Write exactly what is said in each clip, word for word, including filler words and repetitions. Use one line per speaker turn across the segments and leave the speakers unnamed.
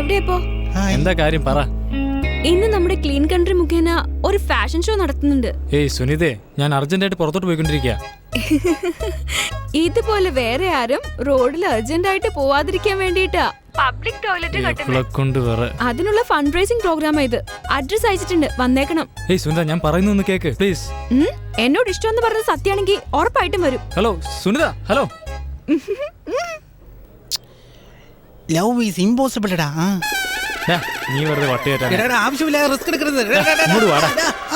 എവിടെയപ്പോ?
എന്താ കാര്യം പറ.
ഇന്ന് നമ്മുടെ ക്ലീൻ കൺട്രി മുഖേന ഒരു ഫാഷൻ ഷോ നടത്തുന്നുണ്ട്.
ഏയ് സുനിതേ, ഞാൻ അർജന്റായിട്ട് പുറത്തോട്ട് പോയിക്കൊണ്ടിരിക്കുക.
ഇതുപോലെ വേറെ ആരും റോഡിൽ അർജന്റ് ആയിട്ട് പോവാതിരിക്കാൻ വേണ്ടിട്ടാ പബ്ലിക് ടോയ്ലറ്റ് അതിനുള്ള ഫണ്ട് റൈസിംഗ് പ്രോഗ്രാം ഇത്. അഡ്രസ് അയച്ചിട്ടുണ്ട്, വന്നേക്കണം.
ഏയ് സുനിത, ഞാൻ പറയുന്നൊന്ന് കേക്ക് പ്ലീസ്.
എന്നോട് ഇഷ്ടമെന്ന് പറഞ്ഞത് സത്യാണെങ്കിൽ ഉറപ്പായിട്ടും വരും.
Hello Sunitha, hello.
Love is impossible ടാ.
നീ വെറുതെ വട്ടിയേറ്റാ.
ആവശ്യമില്ല റിസ്ക് എടുക്കരുത്.
ഇങ്ങോട്ട് വാടാ.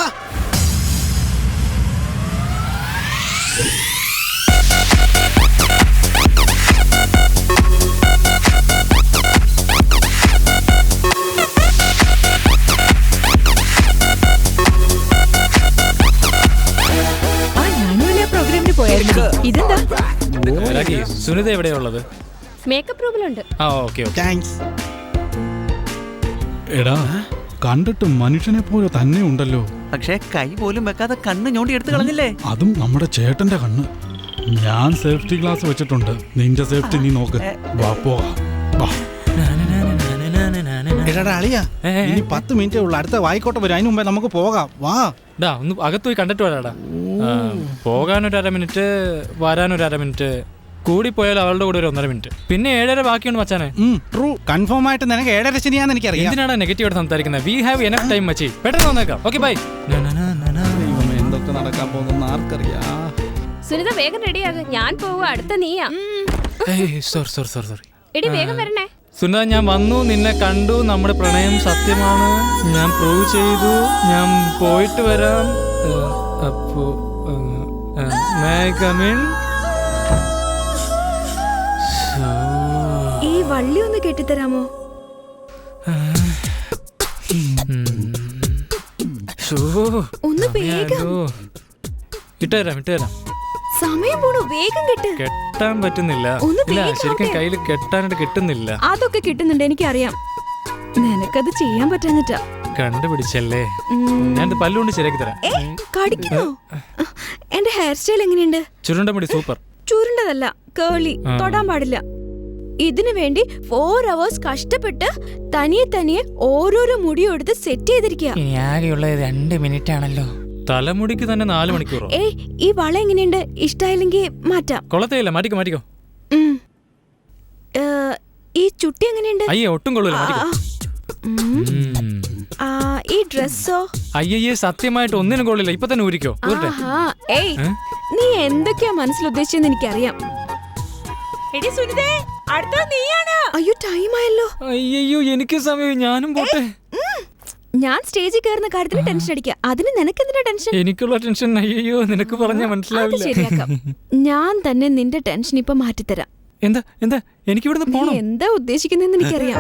സുനിത എവിടെയാ ഉള്ളത്?
മേക്കപ്പ് റൂമിലുണ്ട്.
ആ ഓക്കെ ഓക്കെ.
താങ്ക്സ്.
എടാ, കണ്ടിട്ട് മനുഷ്യനെ പോലെ തന്നെ ഉണ്ടല്ലോ.
പക്ഷേ കൈ പോലും വെക്കാതെ കണ്ണ് ഞോണ്ടി എടുത്തു കളഞ്ഞില്ലേ?
അതും നമ്മുടെ ചേട്ടന്റെ കണ്ണ്. ഞാൻ സേഫ്റ്റി ഗ്ലാസ് വെച്ചിട്ടുണ്ട്. നിന്റെ സേഫ്റ്റി നീ നോക്ക്. വാ പോകാം.
എടാ അളിയാ, ഇനി പത്ത് മിനിറ്റേ ഉള്ളു. അടുത്ത വായിക്കോട്ടെ വരും. അതിന് മുമ്പേ നമുക്ക് പോകാം. വാ.
ഡാ ഒന്ന് അകത്ത് പോയി കണ്ടിട്ട് വരാടാ. പോകാനൊരു അര മിനിറ്റ്, വരാനൊരു അര മിനിറ്റ്, കൂടി പോയാൽ അവളുടെ കൂടെ ഒരു ഒന്നര മിനിറ്റ്, പിന്നെ ഏഴര ബാക്കിയുണ്ട് മച്ചാനെ.
ട്രൂ, കൺഫേം ആയിട്ട് നിനക്ക് ഏഴര ശരിയാന്ന് എനിക്കറിയാം.
എന്തിനാണ് നെഗറ്റീവ് ആയിട്ട് സംസാരിക്കുന്നത്? വി ഹാവ് എനഫ് ടൈം മച്ചി. പെട്ടെന്ന് വന്നേക്കാം. Okay bye.
എന്തൊക്കെ നടക്കാൻ പോകുന്ന ആർക്കറിയാം.
സുനിത വേഗം റെഡിയാകും. ഞാൻ പോവുക, അടുത്ത നീയാ.
Sorry sorry sorry sorry.
എടി വേഗം വരണേ.
സുനിത, ഞാൻ വന്നു, നിന്നെ കണ്ടു, നമ്മുടെ പ്രണയം സത്യമാണ്, ഞാൻ പ്രൂവ് ചെയ്തു, ഞാൻ പോയിട്ട് വരാം. അപ്പോ
ഈ വള്ളി ഒന്ന് കെട്ടിത്തരാമോ? ഒന്ന് വേഗം.
ഇട്ടുതരാം ഇട്ടുതരാം.
സമയം പോണു, വേഗം കെട്ട്.
കെട്ടാൻ പറ്റുന്നില്ല. ഇല്ല, ശരിക്കും കയ്യിൽ കെട്ടാനായിട്ട് കിട്ടുന്നില്ല.
അതൊക്കെ കിട്ടുന്നുണ്ട്, എനിക്കറിയാം. നിനക്കത് ചെയ്യാൻ പറ്റാഞ്ഞിട്ടാ.
കണ്ടുപിടിച്ചല്ലേ. ഞാൻ പല്ലുകൊണ്ട് ശരിയാക്കി തരാം.
കടിക്കണോ? എന്റെ ഹെയർ സ്റ്റൈൽ എങ്ങനെയുണ്ട്?
ചുരുണ്ട മുടി സൂപ്പർ.
ചുരുണ്ടതല്ല, കേളി. തൊടാൻ പാടില്ല. ഇതിനു വേണ്ടി ഫോർ അവേഴ്സ് കഷ്ടപ്പെട്ട് തനിയെ തനിയെ ഓരോരോ മുടിയും എടുത്ത് സെറ്റ് ചെയ്തിരിക്കുക.
ആകെയുള്ളത് രണ്ട് മിനിറ്റ് ആണല്ലോ.
തലമുടിക്ക് തന്നെ നാല് മണിക്കൂറോ?
ഏയ്, ഈ വള എങ്ങനെയുണ്ട്? ഇഷ്ടായില്ലെങ്കിൽ മാറ്റാം.
കൊള്ളത്തേയില്ല, മാറ്റിക്കോ മാറ്റിക്കോ.
ഈ ചുട്ടി എങ്ങനെയുണ്ട്?
അയ്യേ, ഒട്ടും കൊള്ളൂല, മാറ്റിക്കോ.
ഈ ഡ്രസ്സോ?
അയ്യേ, സത്യമായിട്ട് ഒന്നിനും കൊള്ളില്ല. ഇപ്പൊ തന്നെ ഊരിക്കോ.
ഏയ്, നീ എന്തൊക്കെയാ മനസ്സിൽ ഉദ്ദേശിച്ചെന്ന് എനിക്കറിയാം. അയ്യോ, ടൈം ആയല്ലോ.
അയ്യോ, എനിക്ക് സമയം. ഞാനും പോട്ടെ.
ഞാൻ സ്റ്റേജിൽ കയറുന്ന കാര്യത്തിന് ടെൻഷൻ അടിക്കുക. അതിന് നിനക്ക് എന്തിനാ ടെൻഷൻ?
എനിക്കുള്ള ടെൻഷൻ അയ്യോ നിനക്ക് പറഞ്ഞാ മനസ്സിലാവില്ല.
ശരിയാക്കാം. ഞാൻ തന്നെ നിന്റെ ടെൻഷൻ ഇപ്പൊ മാറ്റിത്തരാം.
എന്താ എന്താ എനിക്ക് ഇവിടുന്ന് പോണം?
എന്താ ഉദ്ദേശിക്കുന്നെന്ന് എനിക്കറിയാം.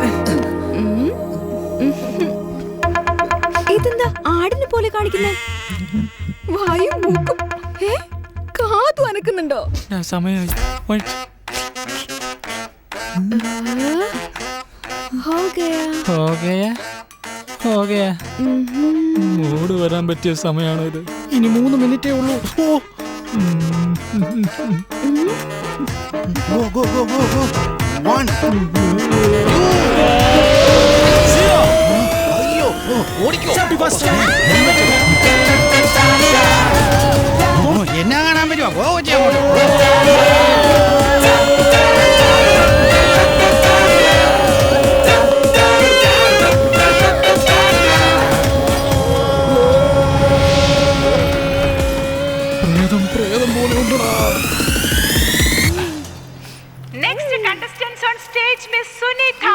ഇതെന്താ ആടിനെ പോലെ കാണിക്കുന്നേ? വായും മൂക്കും കാതു അനക്കുന്നുണ്ടോ?
സമയമായി. മൂട് വരാൻ പറ്റിയ സമയമാണോ ഇത്?
ഇനി മൂന്ന് മിനിറ്റേ ഉള്ളൂ. Go, go, go, go, go. One. Zero. അയ്യോ, ഓടിക്കോ. എന്നാ കാണാൻ പറ്റുമോ? ഗോ ചെയ്യാമോ?
പ്രേതം പ്രേതം പോലെ ഉണ്ടടാ.
Next contestants on stage, Miss Sunita.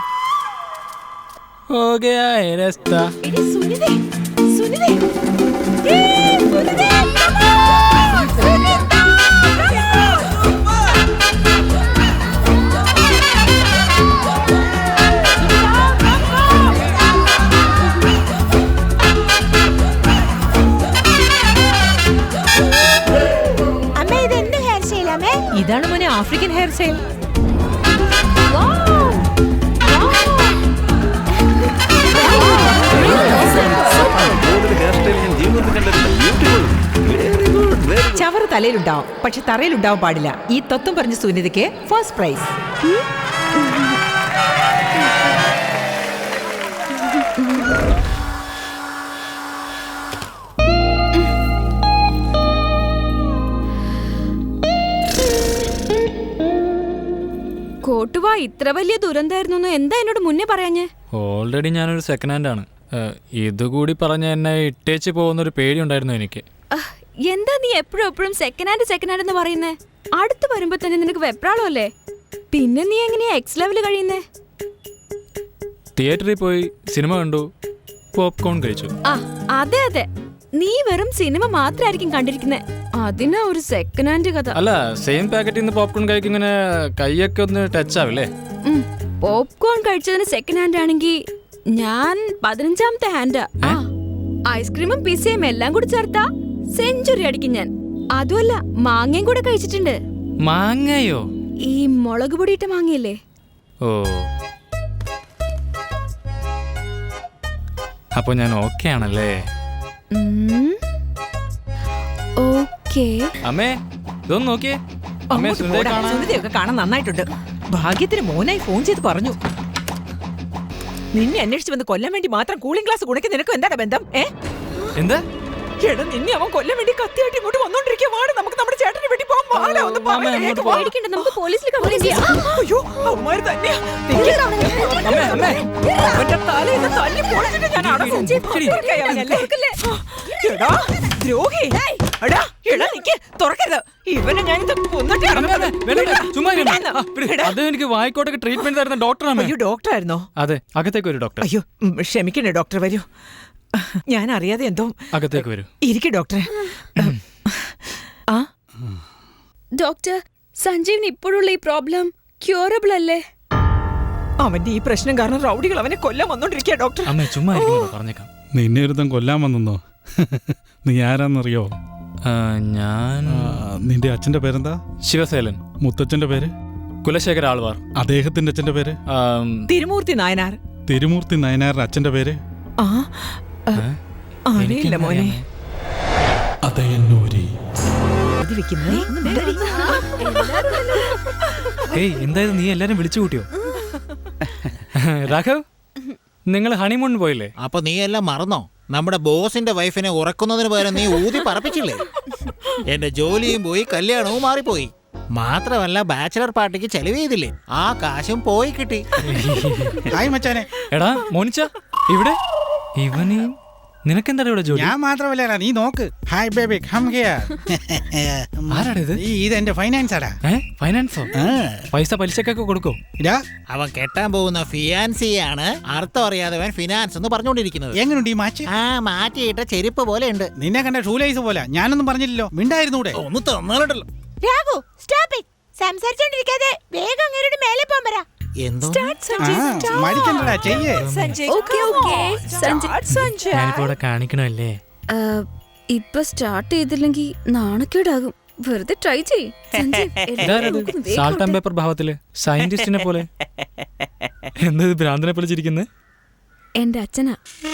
हो गया है रास्ता.
एडी सुनिदे सुनिदे ए सुनिदे सुनिता.
അമ്മേ, ഇത് എന്ത് ഹെയർ സ്റ്റൈൽ അമ്മേ?
ഇതാണ് മോനെ ആഫ്രിക്കൻ ഹെയർ സ്റ്റൈൽ. ചവറ് തലയിലുണ്ടാവും, പക്ഷെ തറയിലുണ്ടാവാൻ പാടില്ല. ഈ തത്വം പറഞ്ഞ സുനിതയ്ക്ക് ഫസ്റ്റ് പ്രൈസ്.
ഇത്ര വലിയ ദുരന്തമായിരുന്നു എന്താ എന്നോട് മുന്നേ പറയാഞ്ഞേ?
ഓൾറെഡി ഞാനൊരു സെക്കൻഡ് ഹാൻഡ് ആണ്. ഇതുകൂടി പറഞ്ഞ എന്നെ ഇട്ടേച്ച് പോകുന്നൊരു പേടി ഉണ്ടായിരുന്നു എനിക്ക്.
അഹ്, എന്താ നീ എപ്പോഴും എപ്പോഴും സെക്കൻഡ് ഹാൻഡ് സെക്കൻഡ് ഹാൻഡ് എന്ന് പറയുന്നേ? അടുത്ത് വരുമ്പോ തന്നെ നിനക്ക് വെപ്രാളമല്ലേ? പിന്നെ നീ എങ്ങനെയാ എക്സ് ലെവല് കഴിയുന്നേ?
തിയേറ്ററിൽ പോയി സിനിമ കണ്ടു, പോപ്കോൺ കഴിച്ചു.
ആ അതെ അതെ, നീ വെറും സിനിമ മാത്രമായിരിക്കും കണ്ടിരിക്കുന്നേ. അതിനാ ഒരു സെക്കൻഡ് ഹാൻഡ് കഥ.
അല്ല, സെയിം പാക്കറ്റിൽ നിന്ന് പോപ്കോൺ കഴിക്കും, ഇങ്ങനെ കൈയൊക്കെ ഒന്ന് ടച്ച് ആവില്ലേ?
പോപ്കോൺ കഴിച്ചതിന് സെക്കൻഡ് ഹാൻഡ് ആണെങ്കിൽ ഞാൻ പതിനഞ്ചാമത്തെ ഹാൻഡാ. ഐസ്ക്രീമും പിസയും എല്ലാം കൂടി ചേർത്താ സെഞ്ചുറി അടിക്കും ഞാൻ. അതുമല്ല, മാങ്ങയും കൂടെ കഴിച്ചിട്ടുണ്ട്.
മാങ്ങയോ?
ഈ മുളക് പൊടിയിട്ട മാങ്ങയല്ലേ?
ഓ, അപ്പൊ ഞാൻ ഓക്കെ ആണല്ലേ?
ഓക്കേ.
അമ്മേ, ഇതൊന്ന് നോക്കിയേ. അമ്മേ,
അങ്ങോട്ട്
സുന്ദരി
പോടാ.
കാണാൻ.
സുനിതയൊക്കെ കാണാൻ നന്നായിട്ടുണ്ട്. ഭാഗ്യത്തിന് മോനായി ഫോൺ ചെയ്ത് പറഞ്ഞു. നിന്നെ അന്വേഷിച്ച് വന്ന് കൊല്ലാൻ വേണ്ടി മാത്രം കൂളിംഗ് ഗ്ലാസ് കുണയ്ക്ക് നിനക്ക് എന്താണ് ബന്ധം? ഏ
എന്താ?
എടാ, നിന്നെ അവൻ കൊല്ലാൻ വേണ്ടി കത്തിയായിട്ട് ഇങ്ങോട്ട് വന്നോണ്ടിരിക്കുവാണ്. നമുക്ക് നമ്മുടെ ചേട്ടനെ വേണ്ടി പോകാൻ പാടില്ല. ഒന്ന്
അമ്മേ, അങ്ങോട്ട് പോ.
പേടിക്കണ്ട, നമുക്ക് പോലീസിൽ കംപ്ലൈന്റ് ചെയ്യാം.
അയ്യോ, അവന്മാര് തന്നെയാ.
അമ്മേ, അമ്മേ.
അവന്റെ തലയിൽ തല്ലി പൊളിച്ചിട്ട് ഞാൻ അടക്കും. തുറക്കേ അവനല്ലേ? എടാ, ദ്രോഹി. എടാ, എടാ, നിക്ക്, തുറക്കരുത്. ഇവനെ ഞാൻ ഇത് കൊന്നിട്ട്
അമ്മേ, അമ്മേ, വേണ്ട, വേണ്ട, ചുമ്മാ ഇരുന്ന്. ആ, വിട്. അത് എനിക്ക് വായിക്കോട്ടൊക്കെ ട്രീറ്റ്മെന്റ് തരുന്ന ഡോക്ടറാണ്.
അയ്യോ, ഡോക്ടറായിരുന്നോ?
അതെ, അകത്തേക്ക് വരൂ ഡോക്ടർ.
അയ്യോ, ഉം, ക്ഷമിക്കണേ ഡോക്ടർ, വരൂ. ഞാൻ അറിയാതെ എന്തോ.
അകത്തേക്ക് വരൂ.
ഇരിക്കും ഡോക്ടറെ. ആ
ഡോക്ടർ, സഞ്ജീവിന് ഇപ്പോഴുള്ള ഈ പ്രോബ്ലം ക്യൂറബിൾ അല്ലേ?
അവന്റെ ഈ പ്രശ്നം കാരണം റൗഡികൾ അവനെ കൊല്ലാൻ വന്നോണ്ടിരിക്കുക ഡോക്ടർ.
അമ്മേ, ചുമ്മാ ഇരിക്കുന്നു, പറഞ്ഞേക്കാം.
നിന്നെ ഒരുത്തം കൊല്ലാൻ വന്നെന്നോ? നീ ആരാന്നറിയോ?
ആ, ഞാൻ
ആ, നിന്റെ അച്ഛന്റെ പേരെന്താ?
ശിവസേലൻ.
മുത്തച്ഛന്റെ പേര്?
കുലശേഖര ആൾവാർ.
അദ്ദേഹത്തിന്റെ അച്ഛന്റെ പേര്?
ആം,
തിരുമൂർത്തി നായനാർ.
തിരുമൂർത്തി നായനാരുടെ അച്ഛന്റെ പേര്?
ആ അറിയില്ല മോനെ.
അതയന്നൂരി.
ഇത് വെക്കുന്നേ.
ഏയ്, എന്തായത് നീ എല്ലാരും വിളിച്ചു കൂട്ടിയോ? രാഘവ്, നിങ്ങൾ ഹണിമൂൺ പോയില്ലേ?
അപ്പൊ നീ എല്ലാം മറന്നോ? നമ്മുടെ ബോസിന്റെ വൈഫിനെ ഉറക്കുന്നതിന് പകരം നീ ഊതി പറപ്പിച്ചില്ലേ? എന്റെ ജോലിയും പോയി, കല്യാണവും മാറിപ്പോയി. മാത്രമല്ല, ബാച്ചിലർ പാർട്ടിക്ക് ചെലവ് ചെയ്തില്ലേ? ആ കാശും പോയി കിട്ടി.
ഹായ് മച്ചാനെ.
എടാ മോനിച്ച, ഇവിടെ ഇവന് നിനക്കെന്താ ഇവിടെ ജോലി?
ഞാൻ മാത്രമല്ല, നീ നോക്ക്. Hi baby, come here.
ആരാടാ ഇത്?
ഈ ഇത് എന്റെ ഫൈനാൻസ് ആടാ.
ഏ, ഫൈനാൻസോ? പൈസ പലിശക്കൊക്കെ കൊടുക്കോ?
ഇതാ
അവൻ കെട്ടാൻ പോകുന്ന ഫിയാൻസിയാണ് അർത്ഥം അറിയാതെ ഫിനാൻസ് എന്ന് പറഞ്ഞുകൊണ്ടിരിക്കുന്നത്.
എങ്ങനെയുണ്ട് ഈ മാച്ച്?
ആ, മാറ്റിയിട്ട ചെരുപ്പ് പോലെ ഉണ്ട്.
നിന്നെ കണ്ട ഷൂലൈസ് പോലെ. ഞാനൊന്നും പറഞ്ഞില്ലല്ലോ, മിണ്ടായിരുന്നൂടെ?
ഒന്ന് തന്നാലുണ്ടല്ലോ.
Raghu, stop it. സംസാരിച്ചോണ്ടിരിക്കാതെ വേഗം അങ്ങേരുടെ മേലെ പോകാൻ പറ.
എന്തോ
മടിക്കണ്ടടാ, ചെയ്യേ.
ഓക്കേ ഓക്കേ സഞ്ജയ്,
ഞാനിപ്പോ ഇവിടെ കാണിക്കണല്ലേ?
ഇപ്പൊ സ്റ്റാർട്ട് ചെയ്തില്ലെങ്കിൽ നാണക്കേടാകും. വെറുതെ ട്രൈ ചെയ്യ്.
സാൾട്ട് ആൻഡ് പേപ്പർ ഭാവത്തില് സയന്റിസ്റ്റിനെ പോലെ. എന്തത് ഭ്രാന്തനെ പോലെ ചിരിക്കുന്നത്?
എന്റെ അച്ഛനാ.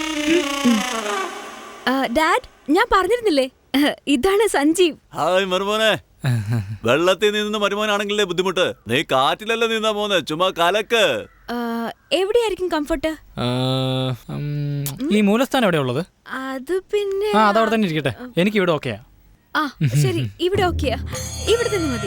ഡാഡ്, ഞാൻ പറഞ്ഞിരുന്നില്ലേ, ഇതാണ് സഞ്ജീവ്.
ഹായ് മരുമോനെ. വെള്ളത്തിൽ നിന്ന് മരുമോനാണെങ്കിലേ ബുദ്ധിമുട്ട്. നീ കാറ്റിലല്ല നിന്നാ പോന്നെ, ചുമ്മാ കലക്ക്.
എവിടെയായിരിക്കും കംഫർട്ട്?
ഈ മൂലസ്ഥാനം എവിടെയാ ഉള്ളത്?
അത് പിന്നെ
ആ, അതവിടെ തന്നെ ഇരിക്കട്ടെ. എനിക്ക് ഇവിടെ ഓക്കെയാ.
ആ ശരി, ഇവിടെ ഓക്കെയാ. ഇവിടെ തന്നെ മതി.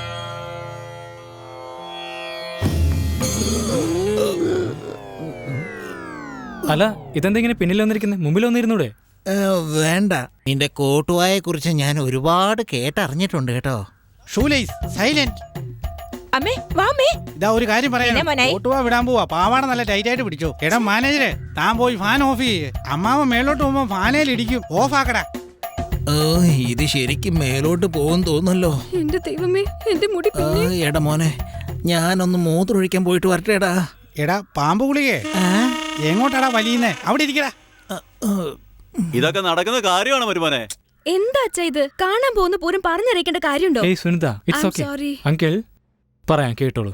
അല്ല, ഇതെന്തെങ്കിലും പിന്നിൽ വന്നിരിക്കുന്നത്? മുമ്പിൽ വന്നിരുന്നൂടെ?
വേണ്ട, നിന്റെ കോട്ടുവായെ കുറിച്ച് ഞാൻ ഒരുപാട് കേട്ടറിഞ്ഞിട്ടുണ്ട് കേട്ടോ.
Shoelace silent.
അമ്മേ, വാ അമ്മേ.
ഇതാ ഒരു കാര്യം പറയാം.
എന്നെ മോനെ?
ഓട്ടുവാ വിടാൻ പോവാ. പാവാട നല്ല ടൈറ്റ് ആയിട്ട് പിടിച്ചോ. എടാ മാനേജരെ, താൻ പോയി ഫാൻ ഓഫ് ചെയ്യ്. അമ്മാവൻ മേലോട്ട് പോകുമ്പോ ഫാനേൽ ഇടിക്കും. ഓഫ് ആക്കടാ.
ഓ, ഇത് ശരിക്കും മേലോട്ട് പോകും തോന്നല്ലോ.
എന്റെ ദൈവമേ, എന്റെ മുടി
ആ, എടാ മോനെ, ഞാനൊന്ന് മൂത്രമൊഴിക്കാൻ പോയിട്ട് വരട്ടേടാ.
എടാ പാമ്പ് ഗുളികേ, എങ്ങോട്ടാടാ വലിയുന്നേ? അവിടെ ഇരിക്കടാ.
ഇതൊക്കെ നടക്കുന്ന കാര്യമാണ് മരുമോനെ.
എന്താ അച്ഛാ ഇത്? കാണാൻ പോകുന്ന പൂരം പറഞ്ഞറിയിക്കേണ്ട കാര്യമുണ്ടോ?
ഏയ് Sunitha, it's
I'm
okay.
sorry.
Uncle പറയാം, കേട്ടോളൂ.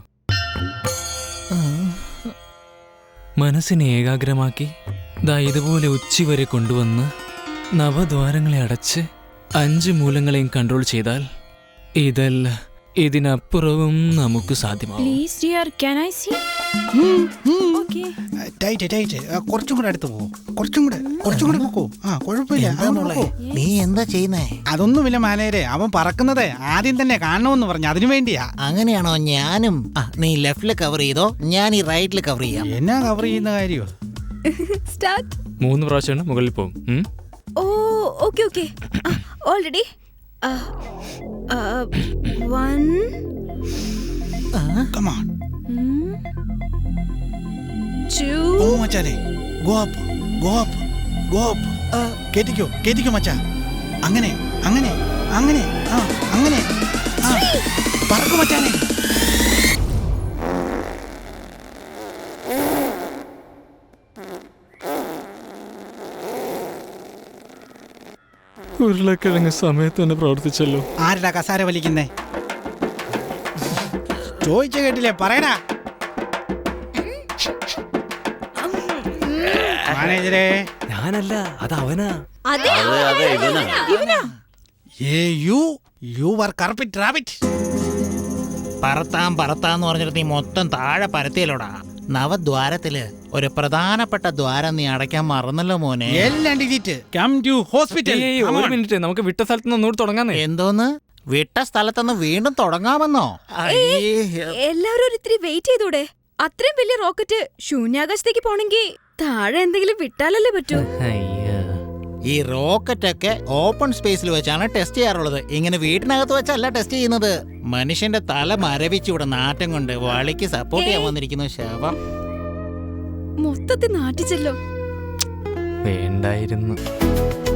മനസ്സിനെ ഏകാഗ്രമാക്കി ദാ ഇതുപോലെ ഉച്ചവരെ കൊണ്ടുവന്ന് നവദ്വാരങ്ങളെ അടച്ച് അഞ്ച് മൂലങ്ങളെയും കൺട്രോൾ ചെയ്താൽ ഇതല്ല ഇതിനപ്പുറവും നമുക്ക് സാധ്യമാവും.
Please dear, can I see? Okay.
Tight tight ആ, കുറച്ചും കൂടെ അടുത്ത് പോകും കുറച്ചും കൂടെ കുറച്ചും കൂടെ നോക്കൂ ആ കുഴപ്പമില്ല
എന്താ
അങ്ങോട്ട്
മോളെ
നോക്കൂ.
നീ എന്താ ചെയ്യുന്നേ?
അതൊന്നുമില്ല മാനേജരെ, അവൻ പറക്കുന്നത് ആദ്യം തന്നെ കാണണമെന്ന് പറഞ്ഞു, അതിനു വേണ്ടിയാ.
അങ്ങനെയാണോ? ഞാനും ആ, നീ ലെഫ്റ്റില് കവർ ചെയ്തോ, ഞാൻ ഈ റൈറ്റില് കവർ ചെയ്യാം.
എന്നാ കവർ ചെയ്യുന്ന കാര്യോ?
സ്റ്റാർട്ട്.
മൂന്ന് പ്രാവശ്യമാണ് മുകളിൽ പോകും ഉം?
Oh okay okay already one
Come on.
Two
oh മച്ചാനെ, go up, go up, go up. കേറ്റിക്കോ കേറ്റിക്കോ മച്ചാ. അങ്ങനെ അങ്ങനെ അങ്ങനെ ആ അങ്ങനെ ആ പറക്കു മച്ചാനെ.
ഉരുളക്കിഴങ്ങ് സമയത്ത് തന്നെ പ്രവർത്തിച്ചല്ലോ.
ആരുടെ കസാര വലിക്കുന്നേ? ചോദിച്ച കേട്ടില്ലേ, പറയടാ. മാനേജരെ,
ഞാനല്ല, അത് അവനാ.
അതെ
അതെ അതെ ഇവനാ.
ഏ you you were culprit rabbit.
പറത്താം പറത്താന്ന് പറഞ്ഞിട്ട് നീ മൊത്തം താഴെ പരത്തിയല്ലോടാ. നവദ്വാരത്തില് ഒരു പ്രധാനപ്പെട്ട ദ്വാരം നീ അടയ്ക്കാൻ മറന്നല്ലോ മോനെ.
എല്ലാം ഡിലീറ്റ്. Come to hospital.
ഏയ്, ഒരു മിനിറ്റ്, നമുക്ക് വിട്ട സ്ഥലത്ത് നിന്ന് ഒന്നുകൂടി തുടങ്ങാന്നേ.
എന്തോന്ന് വിട്ട സ്ഥലത്തുനിന്ന് വീണ്ടും തുടങ്ങാമെന്നോ?
എല്ലാവരും ഒരു ഇത്തിരി വെയിറ്റ് ചെയ്തൂടെ? അത്രയും വലിയ റോക്കറ്റ് ശൂന്യാകാശത്തേക്ക് പോണെങ്കിൽ താഴെ എന്തെങ്കിലും വിട്ടാലല്ലേ പറ്റൂ.
ഈ റോക്കറ്റ് ഒക്കെ ഓപ്പൺ സ്പേസിൽ വെച്ചാണ് ടെസ്റ്റ് ചെയ്യാറുള്ളത്. ഇങ്ങനെ വീട്ടിനകത്ത് വെച്ചല്ല ടെസ്റ്റ് ചെയ്യുന്നത്. മനുഷ്യന്റെ തല മരവിച്ച് ഇവിടെ നാറ്റം കൊണ്ട് വളിക്ക് സപ്പോർട്ട് ചെയ്യാൻ വന്നിരിക്കുന്നു ശവം.
മൊത്തത്തിൽ നാട്ടിച്ചല്ലോ.
വേണ്ടായിരുന്നു.